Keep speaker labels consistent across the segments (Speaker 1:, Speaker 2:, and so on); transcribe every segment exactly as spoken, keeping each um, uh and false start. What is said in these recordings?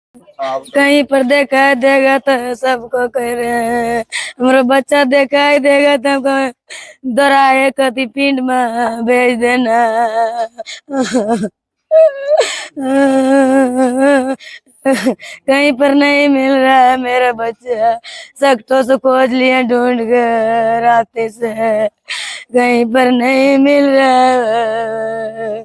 Speaker 1: कहीं पर दिखाई देगा तो सबको कह रहे हैं हमारा बच्चा दिखाई देगा तो हमको दोराए कति पिंड में भेज देना। कहीं पर नहीं मिल रहा है मेरा बच्चा, सख्तों से खोज लिया ढूंढ कर रास्ते से, कहीं पर नहीं मिल रहा।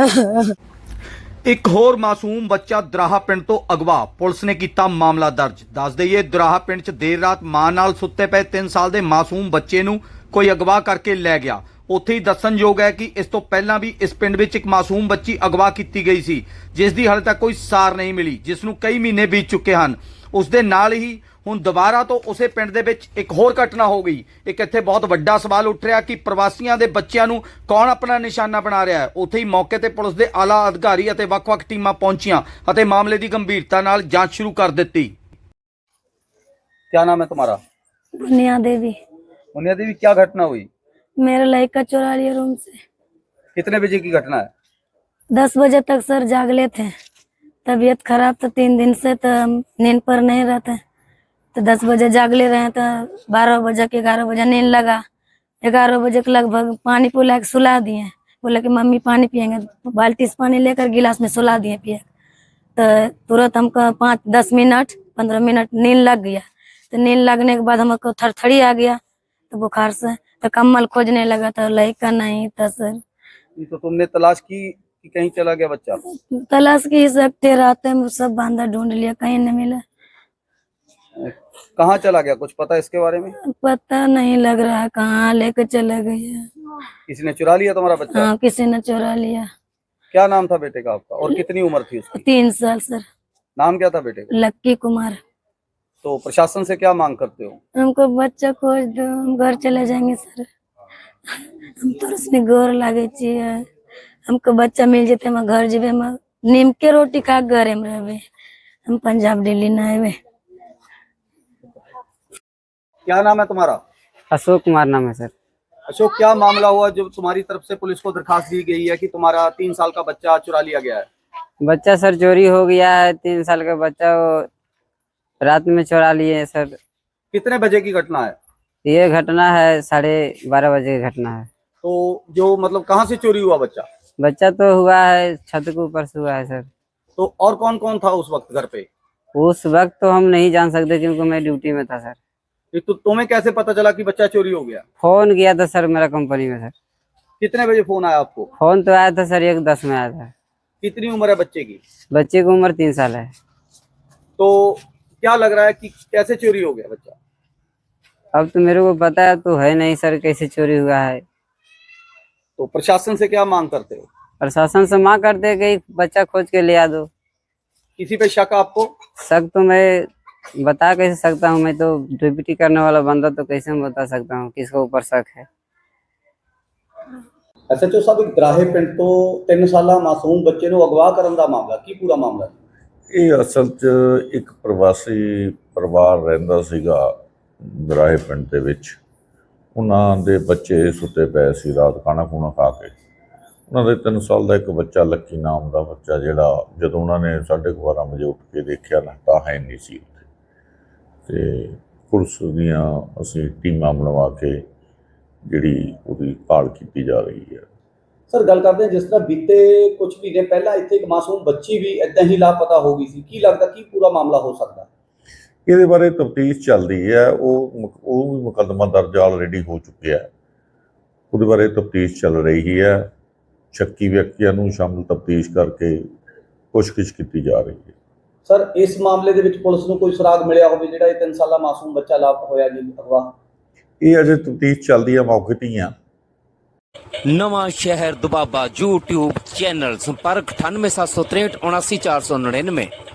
Speaker 2: एक होर मासूम बच्चा दराहा पिंड तो अगवा, पुलिस ने किया मामला दर्ज। दस दईए दराहा पिंड च देर रात मां नाल सुत्ते पे तीन साल के मासूम बच्चे नूं कोई अगवा करके लै गया। उत्थे ही दस्सणयोग है कि इस तो पहला भी इस पिंड विच एक मासूम बच्ची अगवा की गई सी, जिस दी हाले तक कोई सार नहीं मिली, जिसनूं कई महीने बीत चुके हैं। उस दे नाल ही हुण दोबारा तो उसे पिंड दे विच एक होर घटना हो गई। एक इत्थे बहुत वड्डा सवाल उठ रहा कि प्रवासियों के बच्चों नूं कौन अपना निशाना बना रहा है। उत्थे ही मौके ते पुलिस के आला अधिकारी अते वख-वख टीमां पहुंचियां अते मामले की गंभीरता नाल जांच शुरू कर दी। क्या नाम है तुम्हारा?
Speaker 1: मुनिया देवी।
Speaker 2: मुनिया देवी, क्या घटना हुई?
Speaker 1: मेरा लड़का चुरा लिया रूम से।
Speaker 2: कितने बजे की घटना है?
Speaker 1: दस बजे तक सर जागले थे, तबीयत खराब तो तीन दिन से, तो नींद पर नहीं रहते, तो दस बजे जागले रहे तो बारह बजे के ग्यारह बजे नींद लगा। ग्यारह बजे के लगभग पानी पिला के सुला दिए, बोले कि मम्मी पानी पियेंगे, बाल्टी से पानी लेकर गिलास में सुला दिए पिए। तो तुरंत हमको पाँच दस मिनट पंद्रह मिनट नींद लग गया। तो नींद लगने के बाद हमको थरथरी आ गया, तो बुखार से तो कम्बल खोजने लगा, तो लड़का नहीं था सर।
Speaker 2: तो तुमने तलाश की कि कहीं चला गया बच्चा?
Speaker 1: तलाश की सकते रात में सब बांधा ढूंढ लिया, कहीं नहीं मिला।
Speaker 2: कहाँ चला गया, कुछ पता इसके बारे में?
Speaker 1: पता नहीं लग रहा है कहाँ लेकर चला गया।
Speaker 2: किसी ने चुरा लिया तुम्हारा बच्चा?
Speaker 1: हाँ, किसी ने चुरा लिया।
Speaker 2: क्या नाम था बेटे का आपका और कितनी उम्र थी उसकी?
Speaker 1: तीन साल सर।
Speaker 2: नाम क्या था बेटे का?
Speaker 1: लक्की कुमार।
Speaker 2: तो प्रशासन से क्या मांग करते हो?
Speaker 1: हमको बच्चा खोज दो, हम घर चले जाएंगे सर। हम तो उसने गोर लागे चाहिए, हमको बच्चा मिल जाते हम घर जेबे, हम नीम के रोटी खा घर में रहबे, हम पंजाब दिल्ली ना आवे।
Speaker 2: क्या नाम है तुम्हारा?
Speaker 3: अशोक कुमार नाम है सर।
Speaker 2: अशोक, क्या मामला हुआ जब तुम्हारी तरफ से पुलिस को दरखास्त दी गई है कि तुम्हारा तीन साल का बच्चा चुरा लिया गया है?
Speaker 3: बच्चा सर चोरी हो गया है, तीन साल का बच्चा वो रात में चुरा लिए सर।
Speaker 2: कितने बजे की घटना है
Speaker 3: ये? घटना है साढ़े बारह बजे की घटना है।
Speaker 2: तो जो मतलब कहाँ से चोरी हुआ बच्चा?
Speaker 3: बच्चा तो हुआ है छत के ऊपर से हुआ है सर।
Speaker 2: तो और कौन कौन था उस वक्त घर पे?
Speaker 3: उस वक्त तो हम नहीं जान सकते क्योंकि मैं ड्यूटी में था सर।
Speaker 2: तो तुम्हें कैसे पता चला कि बच्चा चोरी हो गया?
Speaker 3: फोन किया था सर मेरा कंपनी में सर।
Speaker 2: कितने बजे फोन आया आपको?
Speaker 3: फोन तो आया था सर एक दस में आया था।
Speaker 2: कितनी उम्र है बच्चे की?
Speaker 3: बच्चे की उम्र तीन साल है।
Speaker 2: तो क्या लग रहा है कि कैसे चोरी हो गया बच्चा?
Speaker 3: अब तो मेरे को पता है तो है नहीं सर कैसे चोरी हुआ है।
Speaker 2: तो प्रशासन से क्या मांग करते हो?
Speaker 3: प्रशासन से मांग करते हैं कि बच्चा खोज के ले आ दो।
Speaker 2: किसी पे शक आपको?
Speaker 3: शक तो मैं बता कैसे सकता हूँ, मैं तो ड्यूटी करने वाला बंदा, तो कैसे मैं बता सकता हूँ किसके ऊपर शक है।
Speaker 2: एस एच ओ साहब, एक दराहे पिंड तो तीन साला मासूम बच्चे ਨੂੰ ਅਗਵਾ ਕਰਨ ਦਾ ਮਾਮਲਾ ਕੀ ਪੂਰਾ ਮਾਮਲਾ ਹੈ?
Speaker 4: ਇਹ ਅਸਲ 'ਚ ਇੱਕ ਪ੍ਰਵਾਸੀ ਪਰਿਵਾਰ ਰਹਿੰਦਾ ਸੀਗਾ ਦਰਾਹੇ ਪਿੰਡ ਦੇ ਵਿੱਚ। ਉਹਨਾਂ ਦੇ ਬੱਚੇ ਸੁੱਤੇ ਪਏ ਸੀ ਰਾਤ ਖਾਣਾ ਖੂਣਾ ਖਾ ਕੇ। ਉਹਨਾਂ ਦੇ ਤਿੰਨ ਸਾਲ ਦਾ ਇੱਕ ਬੱਚਾ ਲੱਕੀ ਨਾਮ ਦਾ ਬੱਚਾ, ਜਿਹੜਾ ਜਦੋਂ ਉਹਨਾਂ ਨੇ ਸਾਢੇ ਕੁ ਬਾਰਾਂ ਵਜੇ ਉੱਠ ਕੇ ਦੇਖਿਆ ਨਾ ਤਾਂ ਹੈ ਨਹੀਂ ਸੀ ਉੱਥੇ। ਅਤੇ ਪੁਲਿਸ ਦੀਆਂ ਅਸੀਂ ਟੀਮਾਂ ਬਣਵਾ ਕੇ ਜਿਹੜੀ ਉਹਦੀ ਭਾਲ ਕੀਤੀ ਜਾ ਰਹੀ ਹੈ।
Speaker 2: सर, गल करते हैं जिस तरह बीते कुछ महीने पहला इतने एक मासूम बच्ची भी इदा ही लापता हो गई सी, की लगता की पूरा मामला हो सकता?
Speaker 4: ਇਹਦੇ ਬਾਰੇ ਤਫਤੀਸ਼ ਚੱਲ ਰਹੀ ਹੈ। ਉਹ ਉਹ ਵੀ ਮੁਕੱਦਮਾ ਦਰਜ ਆਲਰੇਡੀ ਹੋ ਚੁੱਕਿਆ ਹੈ, ਉਹਦੇ ਬਾਰੇ ਤਫਤੀਸ਼ ਚੱਲ ਰਹੀ ਹੈ। ਸ਼ੱਕੀ ਵਿਅਕਤੀਆਂ ਨੂੰ ਸ਼ਾਮਲ ਤਫਤੀਸ਼ ਕਰਕੇ ਪੁੱਛਗਿੱਛ ਕੀਤੀ ਜਾ ਰਹੀ ਹੈ।
Speaker 2: सर, इस मामले ਦੇ ਵਿੱਚ ਪੁਲਿਸ ਨੂੰ ਕੋਈ ਸੁਰਾਗ ਮਿਲਿਆ ਹੋਵੇ ਜਿਹੜਾ ਇਹ ਤਿੰਨ ਸਾਲਾ ਮਾਸੂਮ ਬੱਚਾ ਲਾਪਤਾ ਹੋਇਆ ਜੀ ਅਗਵਾ?
Speaker 4: ਇਹ ਅਜੇ ਤਫਤੀਸ਼ ਚੱਲਦੀ ਹੈ, ਮੌਕੇ ਤੇ ਹੀ ਆ।
Speaker 5: नवां शहर दुबाबा यूट्यूब चैनल संपर्क अठानवे सात सौ तिरठ उनासी चार सौ निन्यानवे।